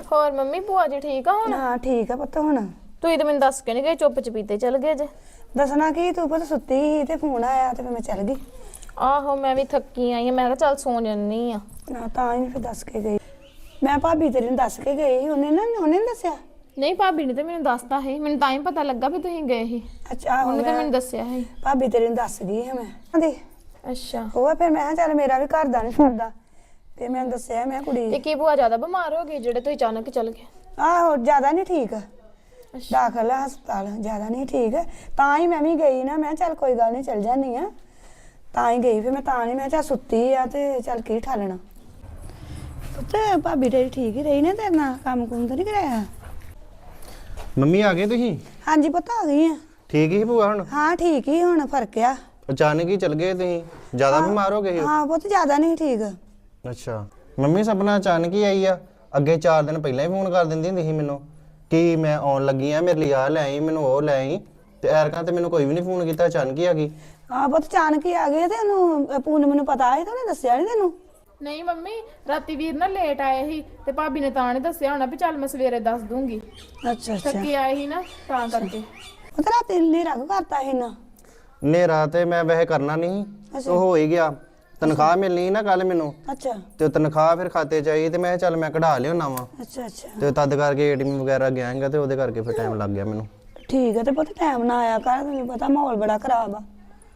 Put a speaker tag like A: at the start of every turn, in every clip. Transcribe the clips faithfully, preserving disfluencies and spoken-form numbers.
A: ਹੋਰ ਮੰਮੀ ਭੂਆ ਜੀ ਠੀਕ ਆ ਹੁਣ?
B: ਹਾਂ ਠੀਕ ਆ ਪੁੱਤ ਹੁਣ।
A: ਤੁਸੀਂ ਤਾਂ ਮੈਨੂੰ ਦੱਸ ਕੇ ਨਹੀਂ ਗਏ, ਚੁੱਪ ਚਪੀਤੇ ਚਲ ਗਏ ਜੇ।
B: ਦੱਸਣਾ ਕੀ, ਤੂੰ ਪੁੱਤ ਸੁੱਤੀ ਸੀ ਤੇ ਫੋਨ ਆਇਆ ਤੇ ਫਿਰ ਮੈਂ ਚੱਲ ਗਈ।
A: ਆਹੋ ਮੈਂ ਵੀ ਥੱਕੀ ਆਈ ਆ, ਮੈਂ ਕਿਹਾ ਚੱਲ ਸੌਂ ਜੰਨੀ ਆ।
B: ਨਾ ਤਾਂ ਹੀ ਫਿਰ ਦੱਸ ਕੇ ਗਈ। ਮੈਂ ਭਾਬੀ ਤੇਰੀ ਨੂੰ ਦੱਸ ਕੇ ਗਈ, ਉਹਨੇ ਨਾ ਉਹਨੇ ਨੀ ਦੱਸਿਆ।
A: ਨਹੀਂ ਭਾਬੀ ਨੇ ਤਾਂ ਮੈਨੂੰ ਦੱਸਤਾ ਸੀ, ਮੈਨੂੰ ਤਾਂ ਹੀ ਪਤਾ ਲੱਗਾ ਵੀ ਤੁਸੀਂ ਗਏ ਸੀ।
B: ਅੱਛਾ
A: ਉਹਨੇ ਤਾਂ ਮੈਨੂੰ ਦੱਸਿਆ ਸੀ।
B: ਭਾਬੀ ਤੇਰੀ ਨੂੰ ਦੱਸ ਗਈ ਹੈ ਮੈਂ ਆਂਦੀ।
A: ਅੱਛਾ
B: ਉਹ ਫਿਰ ਮੈਂ ਕਿਹਾ ਚੱਲ ਮੇਰਾ ਵੀ ਘਰ ਦਾ ਨਹੀਂ ਸੁਣਦਾ ਤੇ ਮੈਂ ਦੱਸਿਆ ਮੈਂ ਕੁੜੀ।
A: ਤੇ ਕੀ ਭੂਆ ਜ਼ਿਆਦਾ ਬਿਮਾਰ ਹੋ ਗਈ ਜਿਹੜੇ ਤੁਸੀਂ ਅਚਾਨਕ ਚਲ ਗਏ?
B: ਆਹੋ ਜ਼ਿਆਦਾ ਨਹੀਂ ਠੀਕ, ਦਾਖਲ ਹੈ ਹਸਪਤਾਲ, ਜ਼ਿਆਦਾ ਨਹੀਂ ਠੀਕ। ਤਾਂ ਹੀ ਮੈਂ ਵੀ ਗਈ ਨਾ, ਮੈਂ ਚੱਲ ਕੋਈ ਗੱਲ ਨਹੀਂ ਚੱਲ ਜਾਂਦੀ ਆ, ਤਾਂ ਹੀ ਗਈ। ਫਿਰ ਮੈਂ ਤਾਂ ਨਹੀਂ, ਮੈਂ ਚੱਲ ਸੁੱਤੀ ਆ ਤੇ ਚੱਲ ਕੀ ਠਾਲਣਾ। ਤੇ ਭਾਬੀ ਤੇਰੀ ਠੀਕ ਹੀ ਰਹੀ ਨੇ, ਤੇਰੇ ਨਾਲ ਕੰਮ ਕੁੰਮ ਤਾਂ ਨਹੀਂ ਕਰਾਇਆ?
C: ਮੰਮੀ ਆ ਗਏ ਤੁਸੀਂ?
B: ਹਾਂਜੀ ਪੁੱਤ ਆ ਗਈ ਆ।
C: ਠੀਕ ਹੀ ਭੂਆ ਹੁਣ?
B: ਹਾਂ ਠੀਕ ਹੀ, ਹੁਣ ਫਰਕ ਆ।
C: ਅਚਾਨਕ ਹੀ ਚਲ ਗਏ ਤੁਸੀਂ, ਜ਼ਿਆਦਾ ਬਿਮਾਰ ਹੋ ਗਏ?
B: ਹਾਂ ਪੁੱਤ ਜ਼ਿਆਦਾ ਨਹੀਂ ਠੀਕ।
C: ਅੱਛਾ ਮੰਮੀ ਸਪਨਾ ਅਚਾਨਕ ਹੀ ਆਈ ਆ? ਅੱਗੇ ਚਾਰ ਦਿਨ ਪਹਿਲਾਂ ਹੀ ਫੋਨ ਕਰ ਦਿੰਦੀ ਹੁੰਦੀ ਸੀ ਮੈਨੂੰ ਕਿ ਮੈਂ ਆਉਣ ਲੱਗੀ ਆ, ਮੇਰੇ ਲਈ ਆ ਲੈ ਆਈ, ਮੈਨੂੰ ਉਹ ਲੈ ਆਈ। ਤੇ ਐਰਕਾਂ ਤੇ ਮੈਨੂੰ ਕੋਈ ਵੀ ਨਹੀਂ ਫੋਨ ਕੀਤਾ, ਅਚਾਨਕ ਹੀ ਆ ਗਈ।
B: ਹਾਂ ਪੁੱਤ ਅਚਾਨਕ ਹੀ ਆ ਗਏ ਤੇ ਉਹਨੂੰ ਪੂਨਮ ਨੂੰ ਪਤਾ ਸੀ ਤੇ ਉਹਨੇ ਦੱਸਿਆ ਨਹੀਂ ਤੈਨੂੰ?
A: ਨਹੀਂ ਮੰਮੀ ਰਾਤੀ ਵੀਰ ਨਾ ਲੇਟ ਆਏ ਸੀ ਤੇ ਭਾਬੀ ਨੇ ਤਾਂ ਨਹੀਂ ਦੱਸਿਆ ਹੋਣਾ ਵੀ ਚੱਲ ਮੈਂ ਸਵੇਰੇ ਦੱਸ ਦੂੰਗੀ।
B: ਅੱਛਾ ਅੱਛਾ
A: ਥੱਕੇ ਆਏ ਸੀ ਨਾ ਤਾਂ ਕਰਕੇ।
B: ਉਹ ਤਾਂ ਰਾਤੀ ਹਨੇਰਾ ਕਰਤਾ ਸੀ ਨਾ।
C: ਹਨੇਰਾ ਤੇ ਮੈਂ ਵੈਸੇ ਕਰਨਾ ਨਹੀਂ, ਉਹ ਹੋ ਹੀ ਗਿਆ। ਤਨਖਾਹ ਮਿਲਣੀ ਨਾ ਕੱਲ ਮੈਨੂੰ,
B: ਅੱਛਾ
C: ਤੇ ਤਨਖਾਹ ਫਿਰ ਖਾਤੇ ਚ ਆਈ ਤੇ ਮੈਂ ਚੱਲ ਮੈਂ ਕਢਾ ਲਿਆਉਣਾ ਵਾ।
B: ਅੱਛਾ ਅੱਛਾ
C: ਤੇ ਤਦ ਕਰਕੇ ਏਟੀਐਮ ਵਗੈਰਾ ਗਿਆਗਾ ਤੇ ਉਹਦੇ ਕਰਕੇ ਫਿਰ ਟਾਈਮ ਲੱਗ ਗਿਆ ਮੈਨੂੰ।
B: ਠੀਕ ਹੈ ਤੇ ਪੁੱਤ ਟਾਈਮ ਨਾ ਆਇਆ ਕਰ, ਤੈਨੂੰ ਪਤਾ ਮਾਹੌਲ ਬੜਾ ਖਰਾਬ ਆ।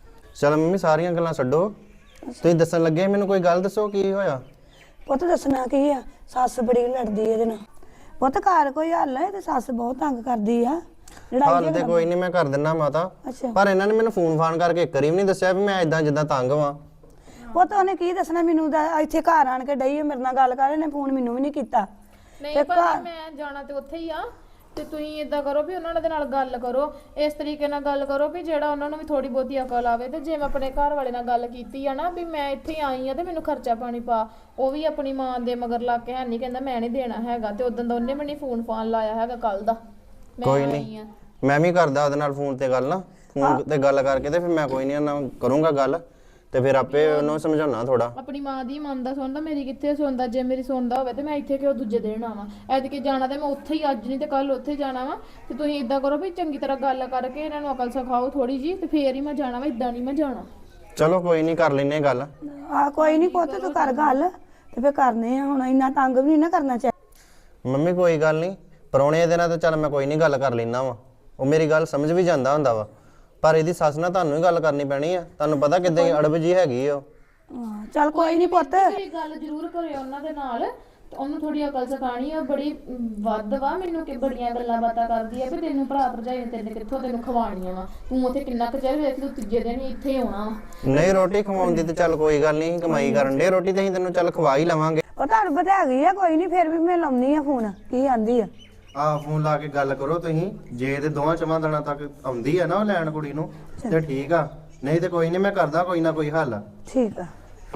C: ਚਲ ਮੰਮੀ ਸਾਰੀਆਂ ਗੱਲਾਂ ਛੱਡੋ, ਤੁਸੀਂ ਦੱਸਣ ਲੱਗੇ ਮੈਨੂੰ ਕੋਈ ਗੱਲ ਦੱਸੋ ਕੀ ਹੋਇਆ?
B: ਪੁੱਤ ਦੱਸਣਾ ਕੀ ਆ, ਸੱਸ ਬੜੀ ਲੜਦੀ ਇਹਦੇ ਨਾਲ। ਪੁੱਤ ਘਰ ਕੋਈ ਹੱਲ ਹੈ ਤੇ ਸੱਸ ਬਹੁਤ ਤੰਗ ਕਰਦੀ ਆ।
C: ਹਾਲ ਤੇ ਕੋਈ ਨਹੀਂ, ਮੈਂ ਕਰ ਦਿੰਦਾ ਮਾਤਾ।
B: ਅੱਛਾ
C: ਪਰ ਇਹਨਾਂ ਨੇ ਮੈਨੂੰ ਫੋਨ ਫਾਨ ਕਰਕੇ ਇੱਕ ਵਾਰੀ ਵੀ ਨਹੀਂ ਦੱਸਿਆ ਵੀ ਮੈਂ ਇਦਾਂ ਜਿੱਦਾਂ ਤੰਗ ਵਾਂ।
B: ਪੁੱਤ ਉਹਨੇ ਕੀ ਦੱਸਣਾ ਮੈਨੂੰ? ਇੱਥੇ ਘਰ ਆਣ ਕੇ ਡਈ ਮੇਰੇ ਨਾਲ ਗੱਲ ਕਰ, ਇਹਨੇ ਫੋਨ ਮੈਨੂੰ ਵੀ ਨਹੀਂ ਕੀਤਾ।
A: ਨਹੀਂ ਪਰ ਮੈਂ ਜਾਣਾ ਤੇ ਉੱਥੇ ਹੀ ਆ, ਤੇ ਤੁਸੀਂ ਇਦਾਂ ਕਰੋ ਵੀ ਉਹਨਾਂ ਦੇ ਨਾਲ ਗੱਲ ਕਰੋ, ਇਸ ਤਰੀਕੇ ਨਾਲ ਗੱਲ ਕਰੋ ਵੀ ਜਿਹੜਾ ਉਹਨਾਂ ਨੂੰ ਵੀ ਥੋੜੀ ਬਹੁਤੀ ਅਕਲ ਆਵੇ। ਤੇ ਜੇ ਮੈਂ ਆਪਣੇ ਘਰ ਵਾਲੇ ਨਾਲ ਗੱਲ ਕੀਤੀ ਆ ਨਾ ਵੀ ਮੈਂ ਇੱਥੇ ਆਈ ਆ ਤੇ ਮੈਨੂੰ ਖਰਚਾ ਪਾਣੀ ਪਾ, ਉਹ ਵੀ ਆਪਣੀ ਮਾਂ ਦੇ ਮਗਰ ਲੱਗ ਕੇ ਹੈ ਨਹੀਂ, ਕਹਿੰਦਾ ਮੈਂ ਨਹੀਂ ਦੇਣਾ ਹੈਗਾ। ਤੇ ਉਦੋਂ ਦਾ ਉਹਨੇ ਮੈਨੂੰ ਫੋਨ ਫਾਨ ਲਾਇਆ ਹੈਗਾ ਕੱਲ ਦਾ।
C: ਕੋਈ ਨਹੀਂ, ਮੈਂ ਵੀ ਕਰਦਾ ਉਹਦੇ ਨਾਲ ਫੋਨ ਤੇ ਗੱਲ, ਨਾ ਫੋਨ ਤੇ ਗੱਲ ਕਰਕੇ ਤੇ ਫਿਰ ਮੈਂ ਕੋਈ ਨਹੀਂ ਉਹਨਾਂ ਕਰੂੰਗਾ ਗੱਲ, ਤੇ ਫਿਰ ਆਪੇ ਉਹਨੂੰ ਸਮਝਾਉਣਾ ਥੋੜਾ। ਆਪਣੀ
A: ਮਾਂ ਦੀ ਮੰਨਦਾ ਸੁਣਦਾ, ਮੇਰੀ ਕਿੱਥੇ ਸੁਣਦਾ? ਜੇ ਮੇਰੀ ਸੁਣਦਾ ਹੋਵੇ ਤੇ ਮੈਂ ਇੱਥੇ ਕਿਉਂ ਦੂਜੇ ਦਿਨ ਆਵਾਂ? ਐਤਕੀ ਜਾਣਾ ਤੇ ਮੈਂ ਉੱਥੇ ਹੀ, ਅੱਜ ਨਹੀਂ ਤੇ ਕੱਲ ਉੱਥੇ ਜਾਣਾ ਵਾ। ਤੇ ਤੁਸੀਂ ਇਦਾਂ ਕਰੋ ਵੀ ਚੰਗੀ ਤਰ੍ਹਾਂ ਗੱਲ ਕਰਕੇ ਇਹਨਾਂ ਨੂੰ ਅਕਲ ਸਿਖਾਓ ਥੋੜੀ ਜੀ, ਤੇ ਫੇਰ ਹੀ ਮੈਂ ਜਾਣਾ ਵਾ, ਇਦਾਂ ਨਹੀਂ ਮੈਂ ਜਾਣਾ।
C: ਚਲੋ ਕੋਈ ਨਹੀਂ, ਕਰ ਲੈਨੇ ਗੱਲ।
B: ਆ ਕੋਈ ਨਹੀਂ ਪੁੱਤ, ਤੂੰ ਕਰ ਗੱਲ ਤੇ ਫੇਰ ਕਰਨੇ ਆ। ਹੁਣ ਇੰਨਾ ਤੰਗ ਵੀ ਨਹੀਂ ਨਾ ਕਰਨਾ ਚਾਹੀਦਾ।
C: ਮੰਮੀ ਕੋਈ ਗੱਲ ਨਹੀਂ, ਪਰੌਣੇ ਦੇ ਨਾਲ ਤਾਂ ਚੱਲ ਮੈਂ ਕੋਈ ਨਹੀਂ ਗੱਲ ਕਰ ਲੈਣਾ ਵਾ, ਉਹ ਮੇਰੀ ਗੱਲ ਸਮਝ ਵੀ ਜਾਂਦਾ ਹੁੰਦਾ ਵਾ। ਪਰ ਇਹਦੀ ਸੱਸ ਨਾਲ ਤੁਹਾਨੂੰ ਹੀ ਗੱਲ ਕਰਨੀ ਪੈਣੀ ਆ, ਤੁਹਾਨੂੰ ਪਤਾ ਕਿੱਦਾਂ ਅੜਬ ਜੀ ਹੈਗੀ ਆ ਉਹ।
B: ਹਾਂ ਚੱਲ ਕੋਈ ਨਹੀਂ ਪੁੱਤ,
A: ਤੁਸੀਂ ਗੱਲ ਜ਼ਰੂਰ ਕਰਿਓ ਉਹਨਾਂ ਦੇ ਨਾਲ, ਤੇ ਉਹਨੂੰ ਥੋੜੀ ਅਕਲ ਸਿਖਾਣੀ ਆ। ਬੜੀ ਵੱਧ ਵਾ, ਮੈਨੂੰ ਕਿ ਬੜੀਆਂ ਗੱਲਾਂ ਬਾਤਾਂ ਕਰਦੀ ਆ ਵੀ ਤੈਨੂੰ ਭਰਾ ਭਰਜਾਈ ਤੇਰੇ ਕਿੱਥੋਂ ਤੈਨੂੰ ਖਵਾਣੀਆਂ ਵਾ, ਤੂੰ ਉੱਥੇ ਕਿੰਨਾ ਕੁ ਚਿਰ ਵੇਖ, ਤੂੰ ਤੀਜੇ ਦਿਨ ਹੀ ਇੱਥੇ ਆਉਣਾ ਵਾ।
C: ਨਹੀਂ ਰੋਟੀ ਖਵਾਉਂਦੀ ਤੇ ਚੱਲ ਕੋਈ ਗੱਲ ਨਹੀਂ, ਕਮਾਈ ਕਰਨ ਦੇ ਰੋਟੀ ਤੇ ਅਸੀਂ ਤੈਨੂੰ ਚੱਲ ਖਵਾ ਹੀ ਲਵਾਂਗੇ।
B: ਉਹ ਤੁਹਾਨੂੰ ਪਤਾ ਹੈਗੀ ਆ, ਕੋਈ ਨਹੀਂ ਫਿਰ ਵੀ ਮੈਂ ਲਾਉਣੀ ਆ ਫੋਨ, ਕੀ ਆਂਦੀ ਆ।
C: ਆਹ ਫੋਨ ਲਾ ਕੇ ਗੱਲ ਕਰੋ ਤੁਸੀਂ, ਜੇ ਤੇ ਦੋਵਾਂ ਚਵਾਂ ਦਿਨਾਂ ਤੱਕ ਆਉਂਦੀ ਆ ਨਾ ਉਹ ਲੈਣ ਕੁੜੀ ਨੂੰ ਤੇ ਠੀਕ ਆ, ਨਹੀਂ ਤੇ ਕੋਈ ਨਹੀਂ ਮੈਂ ਕਰਦਾ ਕੋਈ ਨਾ ਕੋਈ ਹੱਲ।
B: ਠੀਕ ਆ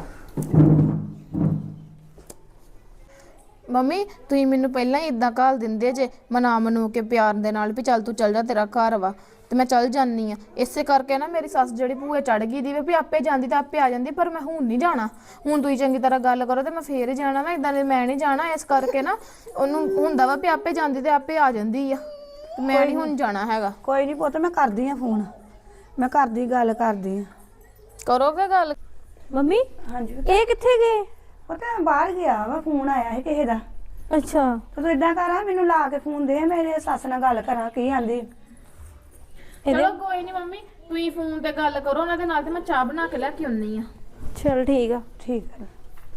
A: ਮੰਮੀ ਤੁਸੀਂ ਮੈਨੂੰ ਪਹਿਲਾਂ ਹੀ ਇਦਾਂ ਘਾਲ ਦਿੰਦੇ ਜੇ, ਮਨਾ ਮਨੂ ਕੇ ਪਿਆਰ ਦੇ ਨਾਲ ਵੀ ਚੱਲ ਤੂੰ ਚੱਲ ਜਾ, ਤੇਰਾ ਘਰ ਵਾ, ਤੇ ਮੈਂ ਚੱਲ ਜਾਨੀ ਆ। ਇਸੇ ਕਰਕੇ ਨਾ ਮੇਰੀ ਸੱਸ ਜਿਹੜੀ ਭੂਏ ਚੜ ਗਈ ਦੀ ਵੀ ਆਪੇ ਜਾਂਦੀ ਤਾਂ ਆਪੇ ਆ ਜਾਂਦੀ, ਪਰ ਮੈਂ ਹੁਣ ਨਹੀਂ ਜਾਣਾ। ਹੁਣ ਤੁਸੀਂ ਚੰਗੀ ਤਰ੍ਹਾਂ ਗੱਲ ਕਰੋ ਤੇ ਮੈਂ ਫੇਰ ਹੀ ਜਾਣਾ ਵਾ, ਇਦਾਂ ਦੇ ਮੈਂ ਨਹੀਂ ਜਾਣਾ। ਇਸ ਕਰਕੇ ਨਾ ਉਹਨੂੰ ਹੁੰਦਾ ਵਾ ਵੀ ਆਪੇ ਜਾਂਦੀ ਤੇ ਆਪੇ ਆ ਜਾਂਦੀ ਆ, ਤੇ ਮੈਂ ਨਹੀਂ ਹੁਣ ਜਾਣਾ ਹੈਗਾ।
B: ਕੋਈ ਨਹੀਂ ਪੁੱਤ, ਮੈਂ ਕਰਦੀ ਆ ਫੋਨ, ਮੈਂ ਕਰਦੀ ਗੱਲ ਕਰਦੀ ਆ।
A: ਕਰੋਗੇ ਗੱਲ?
D: ਮੰਮੀ
B: ਹਾਂਜੀ
D: ਇਹ ਕਿੱਥੇ ਗਏ?
B: ਪਤਾ ਬਾਹਰ ਗਿਆ ਵਾ, ਫੋਨ ਆਇਆ ਸੀ ਕਿਸੇ ਦਾ।
D: ਅੱਛਾ
B: ਤੇ ਤੂੰ ਇਦਾਂ ਕਰ, ਮੈਨੂੰ ਲਾ ਕੇ ਫੋਨ ਦੇ, ਮੇਰੇ ਸੱਸ ਨਾਲ ਗੱਲ ਕਰਾਂ ਕੀ ਆਂਦੀ।
A: ਚਲੋ ਕੋਈ ਨਹੀਂ ਮੰਮੀ, ਤੁਸੀਂ ਫੋਨ ਤੇ ਗੱਲ ਕਰੋ ਉਹਨਾਂ ਦੇ ਨਾਲ, ਤੇ ਮੈਂ ਚਾਹ ਬਣਾ ਕੇ ਲੈ ਕੇ ਆਉਣੀ ਆ।
D: ਚਲ ਠੀਕ ਆ।
B: ਠੀਕ ਹੈ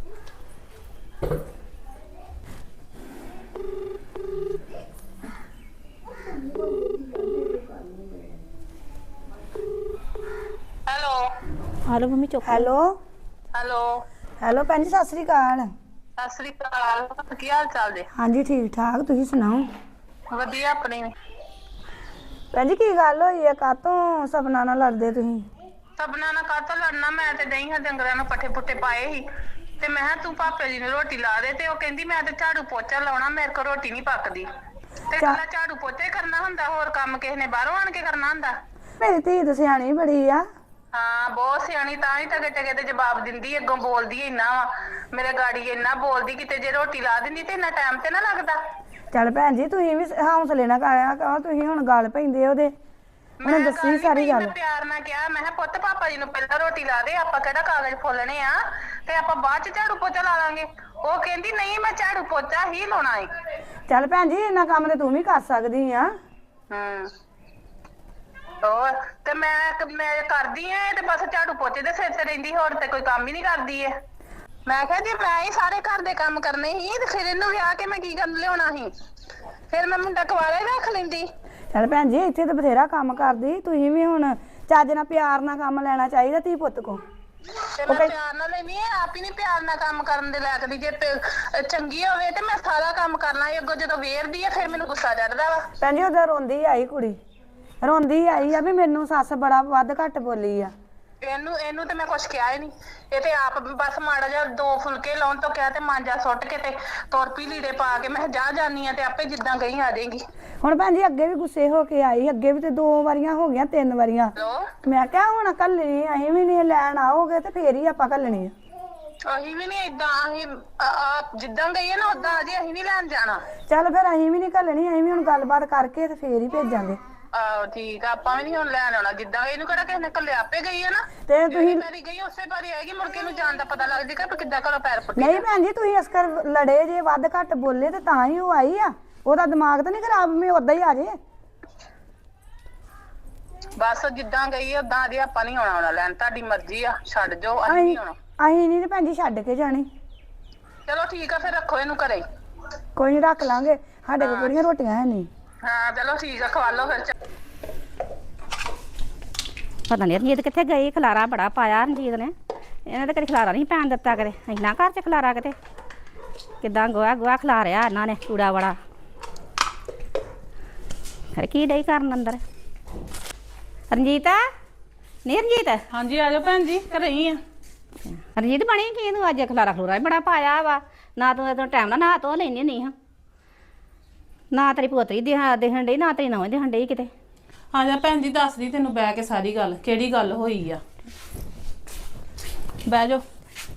E: ਹੈਲੋ
D: ਹਾਲੋ ਮੰਮੀ ਚੁੱਪ।
B: ਹੈਲੋ
E: ਹੈਲੋ
B: ਹੈਲੋ ਭੈਣ ਜੀ, ਸਤਿ ਸ੍ਰੀ ਅਕਾਲ।
E: ਸਤਿ ਸ੍ਰੀ ਅਕਾਲ, ਕੀ ਹਾਲ ਚਾਲ ਜੀ?
B: ਹਾਂਜੀ ਠੀਕ ਠਾਕ, ਤੁਸੀਂ ਸੁਣਾਓ?
E: ਵਧੀਆ ਆਪਣੀ ਵੀ।
B: ਭੈਣ ਜੀ ਕੀ ਗੱਲ ਹੋਈ ਹੈ, ਕਾਤੋਂ ਸਪਨਾ ਨਾਲ ਲੜਦੇ ਤੁਸੀਂ?
E: ਸਪਨਾ ਨਾਲ ਕਾਹਤੋਂ ਲੜਨਾ, ਮੈਂ ਤੇ ਨਹੀਂ ਹਾਂ ਡੰਗਰਾਂ ਨੂੰ ਪੱਠੇ ਪੁੱਠੇ ਪਾਏ ਸੀ, ਤੇ ਮੈਂ ਕਿਹਾ ਤੂੰ ਪਾਪੇ ਜੀ ਨੂੰ ਰੋਟੀ ਲਾ ਦੇ, ਤੇ ਉਹ ਕਹਿੰਦੀ ਮੈਂ ਤੇ ਝਾੜੂ ਪੋਚਾ ਲਾਉਣਾ, ਮੇਰੇ ਕੋਲ ਰੋਟੀ ਨਹੀਂ ਪੱਕਦੀ। ਤੇ ਕੱਲਾ ਝਾੜੂ ਪੋਚਾ ਕਰਨਾ ਹੁੰਦਾ, ਹੋਰ ਕੰਮ ਕਿਸੇ ਨੇ ਬਾਹਰੋਂ ਆਣ ਕੇ ਕਰਨਾ ਹੁੰਦਾ?
B: ਮੇਰੀ ਧੀ ਤਾਂ ਸਿਆਣੀ ਬੜੀ ਆ।
E: ਹਾਂ ਬਹੁਤ ਸਿਆਣੀ, ਤਾਂ ਹੀ ਟਕੇ ਟਕੇ ਤੇ ਜਵਾਬ ਦਿੰਦੀ, ਅੱਗੋਂ ਬੋਲਦੀ ਇੰਨਾ ਵਾ, ਮੇਰੇ ਗਾੜੀ ਇੰਨਾ ਬੋਲਦੀ, ਕਿਤੇ ਜੇ ਰੋਟੀ ਲਾ ਦਿੰਦੀ ਤੇ ਇੰਨਾ ਟਾਈਮ ਤੇ ਨਾ ਲੱਗਦਾ।
B: ਚੱਲ ਭੈਣ ਜੀ ਤੁਸੀਂ ਵੀ ਹੌਸਲੇ ਨਾਲ ਕਰਿਆ ਕਰੋ, ਤੁਸੀਂ ਹੁਣ ਗੱਲ ਪੈਂਦੇ ਉਹਦੇ ਉਹਨੇ
E: ਮੈਂ
B: ਦੱਸੀ
E: ਗੱਲ
B: ਸਾਰੀ
E: ਕੀਤੀ,
B: ਗੱਲ
E: ਮੈਂ ਪਿਆਰ ਨਾਲ ਕਿਹਾ, ਮੈਂ ਕਿਹਾ ਪੁੱਤ ਪਾਪਾ ਜੀ ਨੂੰ ਪਹਿਲਾਂ ਰੋਟੀ ਲਾ ਦੇ, ਆਪਾਂ ਕਿਹੜਾ ਕਾਗਜ਼ ਫੋਲਣੇ ਆ ਤੇ ਆਪਾਂ ਬਾਅਦ ਚ ਝਾੜੂ ਪੋਚਾ ਲਾ ਲਾਂਗੇ। ਉਹ ਕਹਿੰਦੀ ਨਹੀਂ ਮੈਂ ਝਾੜੂ ਪੋਚਾ ਹੀ ਲਾਉਣਾ ਏ।
B: ਚੱਲ ਭੈਣ ਜੀ ਇੰਨਾ ਕੰਮ ਤੇ ਤੂੰ ਵੀ ਕਰ ਸਕਦੀ ਆ।
E: ਹੂੰ ਹੋਰ ਤੇ ਮੈਂ ਮੈਂ ਕਰਦੀ ਆ ਤੇ ਬਸ ਝਾੜੂ ਪੋਚੇ ਦੇ ਸਿਰ ਤੇ ਰਹਿੰਦੀ, ਹੋਰ ਤੇ ਕੋਈ ਕੰਮ ਹੀ ਨਹੀਂ ਕਰਦੀ ਏ। ਮੈਂ ਕਿਹਾ ਜੇ ਮੈਂ ਹੀ ਸਾਰੇ ਘਰ ਦੇ ਕੰਮ ਕਰਨੇ ਸੀ ਤੇ ਫਿਰ ਇਹਨੂੰ ਵਿਆਹ ਕੇ ਮੈਂ ਕੀ ਕਰਨ ਲਿਆਉਣਾ ਸੀ, ਫਿਰ ਮੈਂ ਮੁੰਡਾ ਕੁਆਰਾ ਹੀ ਰੱਖ ਲੈਂਦੀ।
B: ਚੱਲ ਭੈਣ ਜੀ ਇੱਥੇ ਤਾਂ ਬਥੇਰਾ ਕੰਮ ਕਰਦੀ, ਤੁਸੀਂ ਵੀ ਹੁਣ ਚੱਜ ਨਾਲ ਪਿਆਰ ਨਾਲ ਕੰਮ ਲੈਣਾ ਚਾਹੀਦਾ ਧੀ ਪੁੱਤ ਕੋ।
E: ਤੇ ਮੈਂ ਪਿਆਰ ਨਾਲ ਲੈਣੀ ਆ, ਆਪ ਹੀ ਨਹੀਂ ਪਿਆਰ ਨਾਲ ਕੰਮ ਕਰਨ ਦੇ ਲਾਇਕ ਦੀ। ਜੇ ਪ- ਚੰਗੀ ਹੋਵੇ ਤੇ ਮੈਂ ਸਾਰਾ ਕੰਮ ਕਰਨਾ ਏ, ਅੱਗੋਂ ਜਦੋਂ ਵੇਰਦੀ ਆ ਫਿਰ ਮੈਨੂੰ ਗੁੱਸਾ ਚੜਦਾ ਵਾ।
B: ਭੈਣ ਜੀ ਉਦੋਂ ਰੋਂਦੀ ਆਈ ਕੁੜੀ, ਰੋਂਦੀ ਆਈ ਆ ਵੀ ਮੈਨੂੰ ਸੱਸ ਬੜਾ ਵੱਧ ਘੱਟ ਬੋਲੀ ਆ।
E: ਇਹਨੂੰ ਇਹਨੂੰ ਤੇ ਮੈਂ ਕੁਛ ਕਿਹਾ ਹੀ ਨਹੀਂ, ਇਹ ਤੇ ਆਪ ਬਸ ਮਾੜਾ ਜਿਹਾ ਦੋ ਫੁਲਕੇ ਲਾਉਣ ਤੋਂ ਕਿਹਾ ਤੇ ਮਾਂਜਾ ਸੁੱਟ ਕੇ ਤੇ ਤੁਰ ਪਈ ਲੀੜੇ ਪਾ ਕੇ। ਮੈਂ ਜਾ ਜਾਨੀ ਆ ਤੇ ਆਪੇ ਜਿੱਦਾਂ ਗਈ ਆ ਜਾਏਗੀ।
B: ਹੁਣ ਭੈਣ ਜੀ ਅੱਗੇ ਵੀ ਗੁੱਸੇ ਹੋ ਕੇ ਆਈ, ਅੱਗੇ ਵੀ ਤੇ ਦੋ ਵਾਰੀਆਂ ਹੋ ਗਈਆਂ, ਤਿੰਨ ਵਾਰੀਆਂ।
E: ਲੋ
B: ਮੈਂ ਕਿਹਾ ਹੁਣ ਕੱਲਣੀ ਅਸੀਂ ਵੀ ਨਹੀਂ ਲੈਣ ਆਓਗੇ ਤੇ ਫੇਰ ਹੀ ਆਪਾਂ ਕੱਲਣੀ ਆ।
E: ਅਸੀਂ ਵੀ ਨਹੀਂ ਏਦਾਂ, ਅਸੀਂ ਆਪ ਜਿੱਦਾਂ ਗਈ ਹੈ ਨਾ ਉਦਾਂ ਅਜੇ ਅਸੀਂ ਨਹੀਂ ਲੈਣ ਜਾਣਾ।
B: ਚੱਲ ਫਿਰ ਅਸੀਂ ਵੀ ਨਹੀਂ ਕੱਲਣੀ, ਅਸੀਂ ਵੀ ਹੁਣ ਗੱਲਬਾਤ ਕਰਕੇ ਤੇ ਫੇਰ ਹੀ ਭੇਜਾਂਗੇ।
E: ਆਹੋ ਠੀਕ ਆ, ਆਪਾਂ ਵੀ ਨਹੀਂ ਹੁਣ ਲੈਣ ਆਉਣਾ। ਜਿੱਦਾਂ ਇਹਨੂੰ ਕਿਹੜਾ ਕਿਸੇ ਨੇ ਕੱਲੇ ਆਪੇ ਗਈ ਹੈ ਨਾ,
B: ਤੇ
E: ਤੁਸੀਂ
B: ਤੁਸੀਂ
E: ਮੇਰੀ ਗਈ ਉਸੇ ਵਾਰੀ ਆਏਗੀ, ਮੁੜ ਕੇ ਨੂੰ ਜਾਣ ਦਾ ਪਤਾ ਲੱਗ ਜਾਏਗਾ ਵੀ ਕਿੱਦਾਂ ਘਰੋਂ ਪੈਰ ਪੁੱਟੇ।
B: ਨਹੀਂ ਭੈਣ ਜੀ ਤੁਸੀਂ ਇਸ ਕਰ ਲੜੇ ਜੇ ਵੱਧ ਘੱਟ ਬੋਲੇ ਤੇ ਤਾਂ ਹੀ ਉਹ ਆਈ ਆ, ਉਹਦਾ ਦਿਮਾਗ ਤਾਂ ਨਹੀਂ ਖਰਾਬ ਮੈਂ ਉਦਾਂ ਹੀ ਆ ਜੇ।
E: ਬਸ ਜਿੱਦਾਂ ਗਈ ਹੈ ਉਦਾਂ ਅਜੇ ਆਪਾਂ ਨਹੀਂ ਆਉਣਾ ਆਉਣਾ ਲੈਣ, ਤੁਹਾਡੀ ਮਰਜ਼ੀ ਆ, ਛੱਡ ਜਾਓ, ਅਸੀਂ ਨਹੀਂ ਆਉਣਾ।
B: ਅਸੀਂ ਨਹੀਂ ਤੇ ਭੈਣ ਜੀ ਛੱਡ ਕੇ ਜਾਣੀ।
E: ਚਲੋ ਠੀਕ ਆ, ਫਿਰ ਰੱਖੋ ਇਹਨੂੰ ਘਰੇ।
B: ਕੋਈ ਨਹੀਂ ਰੱਖ ਲਾਂਗੇ, ਸਾਡੇ ਕੋਲ ਕਿਹੜੀਆਂ ਰੋਟੀਆਂ ਹੈ ਨਹੀਂ।
E: ਹਾਂ ਚਲੋ ਠੀਕ ਆ, ਖਵਾ ਲਓ ਫਿਰ।
D: ਪਤਾ ਨਹੀਂ ਰਣਜੀਤ ਕਿੱਥੇ ਗਈ, ਖਲਾਰਾ ਬੜਾ ਪਾਇਆ ਰਣਜੀਤ ਨੇ, ਇਹਨੇ ਤਾਂ ਕਦੇ ਖਲਾਰਾ ਨਹੀਂ ਪੈਣ ਦਿੱਤਾ ਕਦੇ। ਇੰਨਾ ਘਰ 'ਚ ਖਲਾਰਾ ਕਿਤੇ ਕਿੱਦਾਂ ਗੋਹਾ ਗੋਹਾ ਖਲਾਰਿਆ ਇਹਨਾਂ ਨੇ, ਕੂੜਾ ਵਾਲਾ। ਖਰੇ ਕੀ ਡਈ ਕਰਨ ਅੰਦਰ ਰਣਜੀਤ? ਨਹੀਂ ਰਣਜੀਤ?
F: ਹਾਂਜੀ ਆ ਜਾਓ ਭੈਣ ਜੀ, ਘਰੇ ਹੀ ਆ।
D: ਰਣਜੀਤ ਬਣੀ ਕੀ ਤੂੰ ਅੱਜ ਖਲਾਰਾ ਖਲੂਰਾ ਹੀ ਬੜਾ ਪਾਇਆ ਵਾ, ਨਾ ਤੂੰ ਤੂੰ ਟਾਈਮ ਨਾਲ ਨਹਾ ਧੋ ਲੈਂਦੀ ਨਹੀਂ ਹਾਂ, ਨਾ ਤੇਰੀ ਪੋਤਰੀ ਦਿਹਾ ਦਿਖਣ ਡਈ, ਨਾ ਤੇਰੀ ਨੌਂ ਦਿਖਣ ਡਈ ਕਿਤੇ।
F: ਆ ਜਾ ਭੈਣ ਜੀ, ਦੱਸਦੀ ਤੈਨੂੰ ਬਹਿ ਕੇ ਸਾਰੀ ਗੱਲ, ਕਿਹੜੀ ਗੱਲ ਹੋਈ ਆ। ਬਹਿ ਜਾਓ।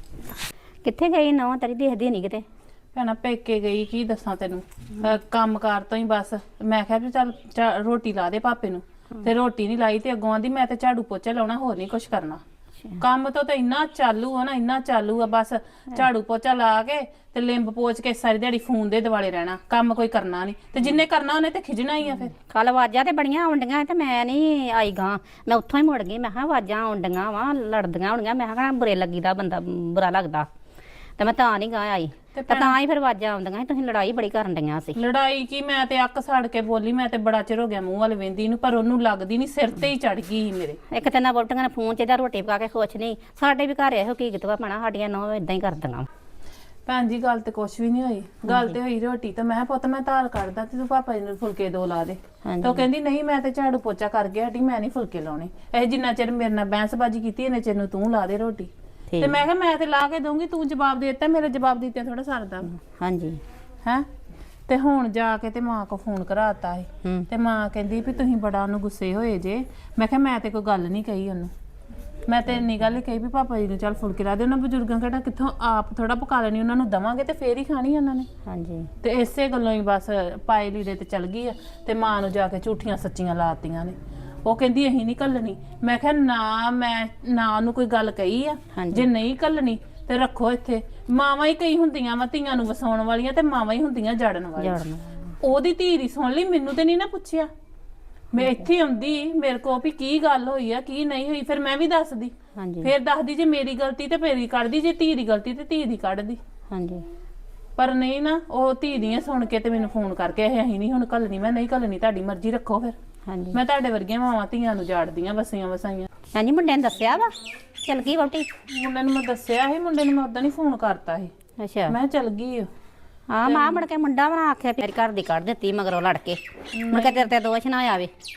D: ਕਿੱਥੇ ਗਈ ਨੌਂ ਤੇਰੀ, ਦਿਖਦੀ ਨਹੀਂ ਕਿਤੇ।
F: ਭੈਣਾ ਪੇਕੇ ਗਈ, ਕੀ ਦੱਸਾਂ ਤੈਨੂੰ, ਅਹ ਕੰਮ ਕਾਰ ਤੋਂ ਹੀ ਬਸ। ਮੈਂ ਕਿਹਾ ਵੀ ਚੱਲ ਚਾ- ਰੋਟੀ ਲਾ ਦੇ ਪਾਪੇ ਨੂੰ, ਤੇ ਰੋਟੀ ਨਹੀਂ ਲਾਈ ਤੇ ਅੱਗੋਂ ਆਂਦੀ ਮੈਂ ਤੇ ਝਾੜੂ ਪੋਚਾ ਲਾਉਣਾ, ਹੋਰ ਨਹੀਂ ਕੁਛ ਕਰਨਾ। ਕੰਮ ਤੋਂ ਤਾਂ ਇੰਨਾ ਚਾਲੂ ਆ ਨਾ, ਇੰਨਾ ਚਾਲੂ ਆ, ਬਸ ਝਾੜੂ ਪੋਚਾ ਲਾ ਕੇ ਤੇ ਲਿੰਬ ਪੋਚ ਕੇ ਸਾਰੀ ਦਿਹਾੜੀ ਫੋਨ ਦੇ ਦਿਵਾਲੇ ਰਹਿਣਾ, ਕੰਮ ਕੋਈ ਕਰਨਾ ਨਹੀਂ। ਤੇ ਜਿੰਨੇ ਕਰਨਾ ਉਹਨੇ ਤੇ ਖਿਜਣਾ ਹੀ ਆ ਫਿਰ।
D: ਕੱਲ ਆਵਾਜ਼ਾਂ ਤੇ ਬੜੀਆਂ ਆਉਂਦੀਆਂ ਤੇ ਮੈਂ ਨਹੀਂ ਆਈ ਗਾਂ, ਮੈਂ ਉੱਥੋਂ ਹੀ ਮੁੜ ਗਈ। ਮੈਂ ਕਿਹਾ ਆਵਾਜ਼ਾਂ ਆਉਂਦੀਆਂ ਵਾ, ਲੜਦੀਆਂ ਹੋਣਗੀਆਂ, ਮੈਂ ਕਿਹਾ ਬੁਰੇ ਲੱਗੀਦਾ, ਬੰਦਾ ਬੁਰਾ ਲੱਗਦਾ, ਤੇ ਮੈਂ ਤਾਂ ਨਹੀਂ ਗਾਂ ਆਈ। ਤੇ ਤਾਂ ਹੀ ਫਿਰ ਆਵਾਜ਼ਾਂ ਆਉਂਦੀਆਂ, ਤੁਸੀਂ ਲੜਾਈ ਬੜੀ ਕਰਨ ਡਈਆਂ ਸੀ।
F: ਲੜਾਈ ਕੀ, ਮੈਂ ਤੇ ਅੱਕ ਸੜ ਕੇ ਬੋਲੀ, ਮੈਂ ਤੇ ਬੜਾ ਚਿਰ ਹੋ ਗਿਆ ਮੂੰਹ ਵੱਲ ਵੇਂਦੀ ਨੂੰ, ਪਰ ਉਹਨੂੰ ਲੱਗਦੀ ਨਹੀਂ, ਸਿਰ ਤੇ ਹੀ ਚੜ ਗਈ ਸੀ ਮੇਰੇ।
D: ਇੱਕ ਤੇ ਨਾ ਬੋਟੀਆਂ ਨੇ ਫੋਨ 'ਚ ਜਾਂ ਰੋਟੀ ਪਕਾ ਕੇ ਖੁਸ਼ ਨਹੀਂ। ਸਾਡੇ ਵੀ ਘਰ ਇਹੋ ਕੀ ਕਿਤਵਾ ਪੈਣਾ, ਸਾਡੀਆਂ ਨੌਂ ਇਦਾਂ ਹੀ ਕਰਦੀਆਂ।
F: ਭੈਣ ਜੀ ਗੱਲ ਤੇ ਕੁਛ ਵੀ ਨਹੀਂ ਹੋਈ, ਗੱਲ ਤੇ ਹੋਈ ਰੋਟੀ। ਤੇ ਮੈਂ ਕਿਹਾ ਪੁੱਤ ਮੈਂ ਧਾਰ ਕੱਢਦਾ ਤੇ ਤੂੰ ਪਾਪਾ ਜੀ ਨੂੰ ਫੁਲਕੇ ਦੋ ਲਾ ਦੇ। ਤੇ ਉਹ ਕਹਿੰਦੀ ਨਹੀਂ ਮੈਂ ਤੇ ਝਾੜੂ ਪੋਚਾ ਕਰ ਗਿਆ ਹਟੀ, ਮੈਂ ਨਹੀਂ ਫੁਲਕੇ ਲਾਉਣੇ। ਇਹ ਜਿੰਨਾ ਚਿਰ ਮੇਰੇ ਨਾਲ ਬਹਿਸਬਾਜੀ ਕੀਤੀ ਇਹਨੇ ਚਿਰ ਨੂੰ ਤੂੰ ਲਾ ਦੇ ਰੋਟੀ। ਤੇ ਮੈਂ ਕਿਹਾ ਮੈਂ ਤੇ ਲਾ ਕੇ ਦਊਂਗੀ, ਤੂੰ ਜਵਾਬ ਦੇ ਦਿੱਤਾ, ਮੇਰੇ ਜਵਾਬ ਦਿੱਤੇ ਥੋੜਾ ਸਰਦਾ।
D: ਹਾਂਜੀ
F: ਹੈ ਤੇ ਹੁਣ ਜਾ ਕੇ ਤੇ ਮਾਂ ਕੋ ਫੋਨ ਕਰਾਤਾ ਸੀ, ਤੇ ਮਾਂ ਕਹਿੰਦੀ ਵੀ ਤੁਸੀਂ ਬੜਾ ਉਹਨੂੰ ਗੁੱਸੇ ਹੋਏ ਜੇ। ਮੈਂ ਕਿਹਾ ਮੈਂ ਤੇ ਕੋਈ ਗੱਲ ਨਹੀਂ ਕਹੀ ਉਹਨੂੰ, ਮੈਂ ਤੇ ਇੰਨੀ ਗੱਲ ਹੀ ਕਹੀ ਵੀ ਪਾਪਾ ਜੀ ਨੂੰ ਚੱਲ ਫੁਲਕੇ ਲਾ ਦੇ। ਉਹਨਾਂ ਬਜ਼ੁਰਗਾਂ ਕਿਹੜਾ ਕਿੱਥੋਂ ਆਪ ਥੋੜਾ ਪਕਾ ਲੈਣੀ, ਉਹਨਾਂ ਨੂੰ ਦਵਾਂਗੇ ਤੇ ਫੇਰ ਹੀ ਖਾਣੀ ਉਹਨਾਂ ਨੇ।
D: ਹਾਂਜੀ
F: ਤੇ ਇਸੇ ਗੱਲੋਂ ਹੀ ਬਸ ਪਾਏ ਲੀੜੇ ਤੇ ਚਲ ਗਈ ਆ, ਤੇ ਮਾਂ ਨੂੰ ਜਾ ਕੇ ਝੂਠੀਆਂ ਸੱਚੀਆਂ ਲਾਤੀਆਂ ਨੇ। ਉਹ ਕਹਿੰਦੀ ਅਸੀਂ ਨਹੀਂ ਘੱਲਣੀ। ਮੈਂ ਕਿਹਾ ਨਾ, ਮੈਂ ਨਾ ਉਹਨੂੰ ਕੋਈ ਗੱਲ ਕਹੀ ਆ, ਜੇ ਨਹੀਂ ਘੱਲਣੀ ਤੇ ਰੱਖੋ ਇੱਥੇ। ਮਾਵਾਂ ਹੀ ਕਈ ਹੁੰਦੀਆਂ ਵਾ ਧੀਆਂ ਨੂੰ ਵਸਾਉਣ ਵਾਲੀਆਂ, ਤੇ ਮਾਵਾਂ ਹੀ ਹੁੰਦੀਆਂ ਜੜਨ ਵਾਲੀਆਂ। ਉਹਦੀ ਧੀ ਦੀ ਸੁਣ ਲਈ, ਮੈਨੂੰ ਤੇ ਨਹੀਂ ਨਾ ਪੁੱਛਿਆ। ਮੈਂ ਇੱਥੇ ਆਉਂਦੀ ਮੇਰੇ ਕੋ ਵੀ ਕੀ ਗੱਲ ਹੋਈ ਆ ਕੀ ਨਹੀਂ ਹੋਈ, ਫਿਰ ਮੈਂ ਵੀ ਦੱਸਦੀ। ਫਿਰ ਦੱਸਦੀ ਜੇ ਮੇਰੀ ਗਲਤੀ ਤੇ ਮੇਰੀ ਕੱਢਦੀ, ਜੇ ਧੀ ਦੀ ਗਲਤੀ ਤੇ ਧੀ ਦੀ ਕੱਢਦੀ।
D: ਹਾਂਜੀ
F: ਪਰ ਨਹੀਂ ਨਾ, ਉਹ ਧੀ ਦੀਆਂ ਸੁਣ ਕੇ ਤੇ ਮੈਨੂੰ ਫੋਨ ਕਰਕੇ ਇਹ ਅਸੀਂ ਨਹੀਂ ਹੁਣ ਘੱਲਣੀ। ਮੈਂ ਨਹੀਂ ਘੱਲਣੀ, ਤੁਹਾਡੀ ਮਰਜ਼ੀ, ਰੱਖੋ ਫਿਰ।
D: ਹਾਂਜੀ
F: ਮੈਂ ਤੁਹਾਡੇ ਵਰਗੀਆਂ ਮਾਵਾਂ ਧੀਆਂ ਨੂੰ ਜਾੜਦੀਆਂ ਵਸੀਆਂ ਵਸਾਈਆਂ।
D: ਹਾਂਜੀ ਮੁੰਡੇ ਨੇ ਦੱਸਿਆ ਵਾ ਚਲ ਗਈ ਵਹੁਟੀ?
F: ਮੁੰਡੇ ਨੂੰ ਮੈਂ ਦੱਸਿਆ ਸੀ, ਮੁੰਡੇ ਨੂੰ ਮੈਂ ਉਦਾਂ ਨਹੀਂ ਫੋਨ ਕਰਤਾ ਸੀ,
D: ਅੱਛਾ
F: ਮੈਂ ਚਲ ਗਈ ਆ।
D: ਹਾਂ ਮਾਂ ਮੁੜ ਕੇ ਮੁੰਡਾ ਬਣਾ ਆਖਿਆ ਮੇਰੀ ਘਰ ਦੀ ਕੱਢ ਦਿੱਤੀ ਮਗਰੋਂ ਲੜ ਕੇ, ਮੁੜ ਕੇ ਤੇਰੇ ਤੇ ਦੋਸ਼ ਨਾ ਆਵੇ।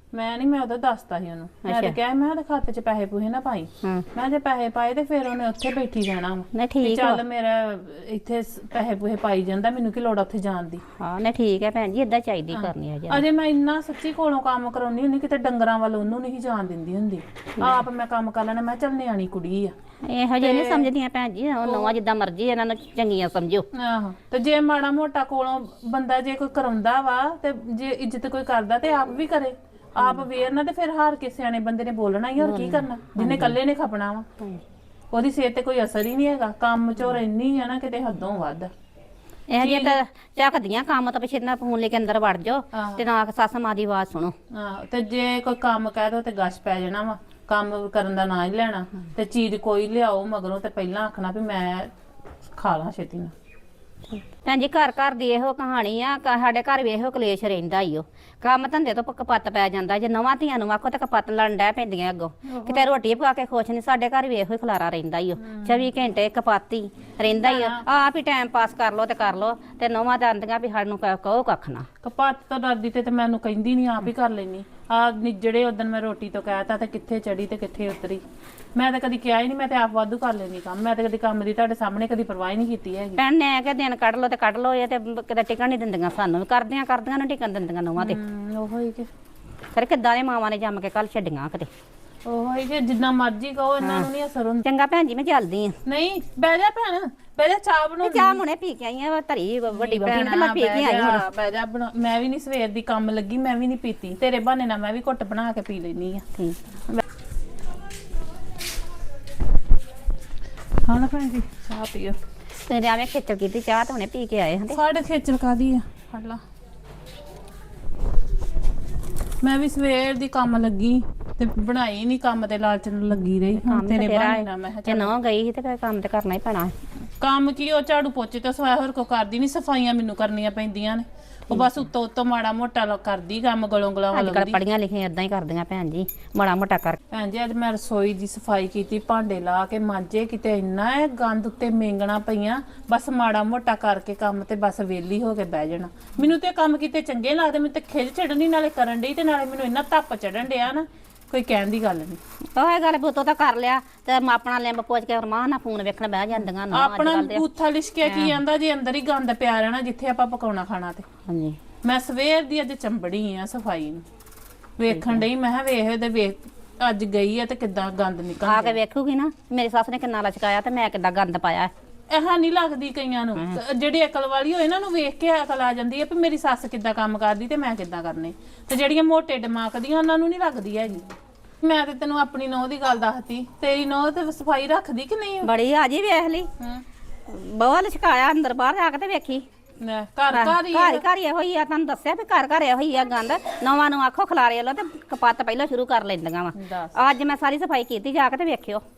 F: ਮੈਂ ਨਹੀਂ ਮੈਂ ਉਹਦਾ ਦੱਸਤਾ ਸੀ ਉਹਨੂੰ ਮੈਂ ਤਾਂ ਕਿਹਾ ਮੈਂ ਉਹਦੇ ਖਾਤੇ 'ਚ ਪੈਸੇ ਪੂਹੇ ਨਾ ਪਾਈ ਮੈਂ ਜੇ ਪੈਸੇ ਪਾਏ ਤੇ ਫਿਰ ਉਹਨੇ ਉੱਥੇ ਬੈਠੀ ਰਹਿਣਾ ਵਾ
D: ਨਹੀਂ
F: ਵੀ
D: ਠੀਕ
F: ਚੱਲ ਮੇਰਾ ਇੱਥੇ ਸ- ਪੈਸੇ ਪੂਹੇ ਪਾਈ ਜਾਂਦਾ ਮੈਨੂੰ ਕੀ ਲੋੜ ਆ ਉੱਥੇ ਜਾਣ ਦੀ
D: ਹਾਂ ਨਹੀਂ ਠੀਕ ਹੈ ਭੈਣ ਜੀ ਇਦਾਂ ਚਾਹੀਦੀ ਕਰਨੀ ਹੈ ਜੀ
F: ਅਜੇ ਮੈਂ ਇੰਨਾ ਸੱਚੀ ਕੋਲੋਂ ਕੰਮ ਕਰਾਉਣੀ ਹੁੰਦੀ ਕਿਤੇ ਡੰਗਰਾਂ ਵੱਲ ਉਹਨੂੰ ਨਹੀਂ ਜਾਣ ਦਿੰਦੀ ਹੁੰਦੀ ਆਪ ਮੈਂ ਕੰਮ ਕਰ ਲੈਣਾ ਮੈਂ ਚੱਲ ਨਿਆਣੀ ਕੁੜੀ ਆ
D: ਇਹੋ ਜਿਹੇ ਨਹੀਂ ਸਮਝਦੀਆਂ ਭੈਣ ਜੀ ਉਹ ਨਵਾਂ ਜਿੱਦਾਂ ਮਰਜ਼ੀ ਇਹਨਾਂ ਨੂੰ ਚੰਗੀਆਂ ਸਮਝੋ
F: ਆਹੋ ਤੇ ਜੇ ਮਾੜਾ ਮੋਟਾ ਕੋਲੋਂ ਬੰਦਾ ਜੇ ਕੋਈ ਕਰਾਉਂਦਾ ਵਾ ਤੇ ਜੇ ਇੱਜ਼ਤ ਕੋਈ ਕਰਦਾ ਤੇ ਆਪ ਵੀ ਕਰੇ ਆਪ ਵੇਰ ਨਾ ਤੇ ਫਿਰ ਹਾਰ ਕੇ ਸਿਆਣੇ ਬੰਦੇ ਨੇ ਬੋਲਣਾ ਹੀ ਹੋਰ ਕੀ ਕਰਨਾ ਜਿਹਨੇ ਇਕੱਲੇ ਨੇ ਖਪਣਾ ਵਾ ਉਹਦੀ ਸਿਹਤ ਤੇ ਕੋਈ ਅਸਰ ਹੀ ਨਹੀਂ ਹੈਗਾ ਕੰਮ ਚੋਰ ਇੰਨੀ ਆ ਨਾ ਕਿਤੇ ਹੱਦੋਂ ਵੱਧ
D: ਇਹ ਜੇ ਤਾਂ ਝੱਕਦੀਆਂ ਕੰਮ ਤਾਂ ਪਿਛੇ ਨਾ ਫੋਨ ਲੈ ਕੇ ਅੰਦਰ ਵੜ ਜਾਓ ਤੇ ਨਾ ਸੱਸ ਮਾਂ ਦੀ ਆਵਾਜ਼ ਸੁਣੋ
F: ਆਹ ਤੇ ਜੇ ਕੋਈ ਕੰਮ ਕਹਿ ਦੋ ਤੇ ਗਸ਼ ਪੈ ਜਾਣਾ ਵਾ ਕੰਮ ਕਰਨ ਦਾ ਨਾਂ ਹੀ ਲੈਣਾ ਤੇ ਚੀਜ਼ ਕੋਈ ਲਿਆਓ ਮਗਰੋਂ ਤੇ ਪਹਿਲਾਂ ਆਖਣਾ ਵੀ ਮੈਂ ਖਾ ਲਾਂ ਛੇਤੀ ਨਾਲ
D: ਭੈਣ ਜੀ ਘਰ ਘਰ ਦੀ ਇਹੋ ਕਹਾਣੀ ਆ ਕ- ਸਾਡੇ ਘਰ ਵੀ ਇਹੋ ਕਲੇਸ਼ ਰਹਿੰਦਾ ਈ ਓ ਕੰਮ ਧੰਦੇ ਤੋਂ ਕਪੱਤ ਪੈ ਜਾਂਦਾ ਜੇ ਨਵਾਂ ਧੀਆਂ ਨੂੰ ਆਖੋ ਤਾਂ ਕਪੱਤ ਲੜਨ ਡੈ ਪੈਂਦੀਆਂ ਅੱਗੋਂ ਕਿਤੇ ਰੋਟੀ ਪਕਾ ਕੇ ਖੁਸ਼ ਨਹੀਂ ਸਾਡੇ ਘਰ ਵੀ ਇਹੋ ਹੀ ਖਲਾਰਾ ਰਹਿੰਦਾ ਈ ਓ ਚੌਵੀ ਘੰਟੇ ਕਪਾਤੀ ਰਹਿੰਦਾ ਈ ਓ ਆਪ ਹੀ ਟਾਈਮ ਪਾਸ ਕਰ ਲੋ ਤੇ ਕਰ ਲੋ ਤੇ ਨਵਾਂ ਤਾਂ ਆਂਦੀਆਂ ਵੀ ਸਾਨੂੰ ਕ- ਕਹੋ ਕੱਖ ਨਾ
F: ਕਪੱਤ ਤਾਂ ਡਰਦੀ ਤੇ ਤੇ ਮੈਨੂੰ ਕਹਿੰਦੀ ਨਹੀਂ ਆਪ ਹੀ ਕਰ ਲੈਣੀ ਆ ਨਿਜੜੇ ਉਦੋਂ ਮੈਂ ਰੋਟੀ ਤੋਂ ਕਹਿਤਾ ਤੇ ਕਿੱਥੇ ਚੜੀ ਤੇ ਕਿੱਥੇ ਉਤਰੀ ਮੈਂ ਤਾਂ ਕਦੀ ਕਿਹਾ ਹੀ ਨਹੀਂ ਮੈਂ ਤੇ ਆਪ ਵਾਧੂ ਕਰ ਲੈਣੀ ਕੰਮ ਮੈਂ ਤਾਂ ਕਦੀ ਕੰਮ ਦੀ ਤੁਹਾਡੇ ਸਾਹਮਣੇ ਕਦੀ ਪਰਵਾਹ ਹੀ ਨਹੀਂ ਕੀਤੀ ਹੈਗੀ
D: ਭੈਣ ਨੇ ਕਿ ਦਿਨ ਕੱਢ ਲੋ ਤੇ ਕੱਢ ਲੋ ਇਹ ਤੇ ਕਿਤੇ ਟਿਕਣ ਨਹੀਂ ਦਿੰਦੀਆਂ ਸਾਨੂੰ ਵੀ ਕਰਦਿਆਂ ਕਰਦਿਆਂ ਨੂੰ ਟਿਕਣ ਦਿੰਦੀਆਂ ਨਵਾਂ ਤੇ
F: ਹਮ, ਉਹੋ ਹੀ ਕਿ
D: ਫਿਰ ਕਿੱਦਾਂ ਦੇ ਮਾਵਾਂ ਨੇ ਜੰਮ ਕੇ ਕੱਲ ਛੱਡੀਆਂ ਕਿਤੇ
F: ਉਹੋ ਹੀ ਕਿ ਜਿੰਨਾ ਮਰਜ਼ੀ ਕਹੋ ਇਹਨਾਂ ਨੂੰ ਨਹੀਂ ਅਸਰ ਹੁੰਦਾ
D: ਚੰਗਾ ਭੈਣ ਜੀ ਮੈਂ ਚੱਲਦੀ ਆ
F: ਨਹੀਂ ਬਹਿ ਜਾ ਭੈਣ ਬਹਿ ਜਾ ਚਾਹ ਬਣਾਉਣੀ
D: ਚਾਹ ਹੁਣੇ ਪੀ ਕੇ ਆਈ ਆ ਧਰੀ ਵੱਡੀ ਵੱਡੀ ਤੇ ਮੈਂ ਪੀ ਕੇ ਆਈ ਹੁਣ
F: ਬਹਿ ਜਾ ਬਣਾ- ਮੈਂ ਵੀ ਨਹੀਂ ਸਵੇਰ ਦੀ ਕੰਮ ਲੱਗੀ ਮੈਂ ਵੀ ਨਹੀਂ ਪੀਤੀ ਤੇਰੇ ਬਹਾਨੇ ਨਾਲ ਮੈਂ ਵੀ ਘੁੱਟ ਬਣਾ ਕੇ ਪੀ ਲੈਣੀ ਆ
D: ਠੀਕ
F: ਹਾਂ ਨਾ ਭੈਣ ਜੀ ਚਾਹ ਪੀਓ
D: ਤੇ ਆਵੇਂ ਖੇਚਲ ਕੀਤੀ ਚਾਹ ਤਾਂ ਹੁਣੇ ਪੀ ਕੇ ਆਏ ਹਾਂ ਤੇ
F: ਸਾਡੇ ਖੇਚਲ ਕਾਦੀ ਆ ਫੜ ਲਾ ਮੈਂ ਵੀ ਸਵੇਰ ਦੀ ਕੰਮ ਲੱਗੀ ਤੇ ਬਣਾਈ ਨਹੀਂ ਕੰਮ ਤੇ ਲਾਲਚ ਨੂੰ ਲੱਗੀ ਰਹੀ ਹੁਣ ਤੇਰੇ ਬਹਾਨੇ ਨਾਲ ਮੈਂ ਕਿਹਾ
D: ਜੇ ਨਾ ਗਈ ਸੀ ਤੇ ਫਿਰ ਕੰਮ ਤੇ ਕਰਨਾ ਹੀ ਪੈਣਾ
F: ਕੰਮ ਕੀ ਉਹ ਝਾੜੂ ਪੋਚੇ ਤੋਂ ਸਵਾਇਆ ਹੋਰ ਕੋ ਕਰਦੀ ਨਹੀਂ ਸਫਾਈਆਂ ਮੈਨੂੰ ਕਰਨੀਆਂ ਪੈਂਦੀਆਂ ਨੇ ਉਹ ਬਸ ਉੱਤੋਂ ਉੱਤੋਂ ਮਾੜਾ ਮੋਟਾ ਲ- ਕਰਦੀ ਕੰਮ ਗਲੋਂ ਗਲਾਂ
D: ਅੱਜ
F: ਵੱਲ
D: ਕੱਲ ਪੜੀਆਂ ਲਿਖੀਆਂ ਇਦਾਂ ਹੀ ਕਰਦੀਆਂ ਭੈਣ ਜੀ ਮਾੜਾ ਮੋਟਾ ਕਰ
F: ਭੈਣ ਜੀ ਅੱਜ ਮੈਂ ਰਸੋਈ ਦੀ ਸਫਾਈ ਕੀਤੀ ਭਾਂਡੇ ਲਾ ਕੇ ਮਾਂਜੇ ਕਿਤੇ ਇੰਨਾ ਇਹ ਗੰਦ ਉੱਤੇ ਮੇਂਗਣਾ ਪਈਆਂ ਬਸ ਮਾੜਾ ਮੋਟਾ ਕਰਕੇ ਕੰਮ ਤੇ ਬਸ ਵਿਹਲੀ ਹੋ ਕੇ ਬਹਿ ਜਾਣਾ ਮੈਨੂੰ ਤੇ ਕੰਮ ਕੀਤੇ ਚੰਗੇ ਲੱਗਦੇ ਮੈਨੂੰ ਤੇ ਖਿਜ ਚੜਨੀ ਨਾਲੇ ਕਰਨ ਡਈ ਤੇ ਨਾਲੇ ਮੈਨੂੰ ਇੰਨਾ ਧੱਪ ਚੜਨ ਡਿਆ ਨਾ ਕੋਈ ਕਹਿਣ ਦੀ ਗੱਲ ਨਹੀਂ
D: ਉਹ ਇਹ ਗੱਲ ਬੁੱਤੋਂ ਤਾਂ ਕਰ ਲਿਆ ਤੇ ਮੈਂ ਆਪਣਾ ਲਿੰਬ ਪੋਚ ਕੇ ਰਮਾਨ ਨਾਲ ਫੋਨ ਵੇਖਣ ਬਹਿ ਜਾਂਦੀਆਂ ਨਾ ਅੱਜ
F: ਆਪਣਾ
D: ਕੱਲ ਦੇ
F: ਬੂਥਾ ਲਿਸ਼ਕਿਆ ਕੀ ਜਾਂਦਾ ਜੇ ਅੰਦਰ ਹੀ ਗੰਦ ਪਿਆ ਰਹਿਣਾ ਜਿੱਥੇ ਆਪਾਂ ਪਕਾਉਣਾ ਖਾਣਾ ਤੇ
D: ਹਾਂਜੀ
F: ਮੈਂ ਸਵੇਰ ਦੀ ਅੱਜ ਚੰਬੜੀ ਆ ਸਫਾਈ ਨੂੰ ਵੇਖਣ ਡਈ ਮੈਂ ਕਿਹਾ ਵੇਖ ਇਹਦੇ ਵੇਖ ਅੱਜ ਗਈ ਆ ਤੇ ਕਿੱਦਾਂ ਗੰਦ ਨਿਕਲ
D: ਆ ਕੇ ਵੇਖੂਗੀ ਨਾ ਮੇਰੀ ਸੱਸ ਨੇ ਕਿੰਨਾ ਲਚਕਾਇਆ ਤੇ ਮੈਂ ਕਿੱਦਾਂ ਗੰਦ ਪਾਇਆ
F: ਇਹ ਨਹੀਂ ਲੱਗਦੀ ਕਈਆਂ ਨੂੰ ਜਿਹੜੀ ਅਕਲ ਵਾਲੀ ਹੋਏ ਇਹਨਾਂ ਨੂੰ ਵੇਖ ਕੇ ਅਕਲ ਆ ਜਾਂਦੀ ਹੈ ਵੀ ਮੇਰੀ ਸੱਸ ਕਿੱਦਾਂ ਕੰਮ ਕਰਦੀ ਤੇ ਮੈਂ ਕਿੱਦਾਂ ਕਰਨੇ ਤੇ ਜਿਹੜੀਆਂ ਮੋਟੇ ਦਿਮਾਗ ਦੀਆਂ ਉਹਨਾਂ ਨੂੰ ਨਹੀਂ ਲੱਗਦੀ ਹੈਗੀ ਮੈਂ ਤੇ ਤੈਨੂੰ ਆਪਣੀ ਨੌਂ ਦੀ ਗੱਲ ਦੱਸਤੀ ਤੇਰੀ ਨੌਂ ਤੇ ਸਫਾਈ ਰੱਖਦੀ ਕਿ ਨਹੀਂ
D: ਬੜੀ ਆ ਜੀ ਵੇਖ ਲਈ
F: ਹਾਂ
D: ਬਹੁਤ ਲਚਕਾਇਆ ਅੰਦਰ ਬਾਹਰ ਜਾ ਕੇ ਤੇ ਵੇਖੀ
F: ਮੈਂ ਘਰ ਘਰ ਹੀ
D: ਘਰ ਘਰ ਇਹੋ ਹੀ ਆ ਤੁਹਾਨੂੰ ਦੱਸਿਆ ਵੀ ਘਰ ਘਰ ਇਹੋ ਹੀ ਆ ਗੰਦ ਨਵਾਂ ਨੂੰ ਆਖੋ ਖਲਾਰੇ ਲੋ ਤੇ ਕਪੱਤ ਪਹਿਲਾਂ ਸ਼ੁਰੂ ਕਰ ਲੈਂਦੀਆਂ ਵਾ
F: ਦੱਸ।
D: ਅੱਜ ਮੈਂ ਸਾਰੀ ਸਫਾਈ ਕੀਤੀ ਜਾ ਕੇ ਤੇ ਵੇਖਿਓ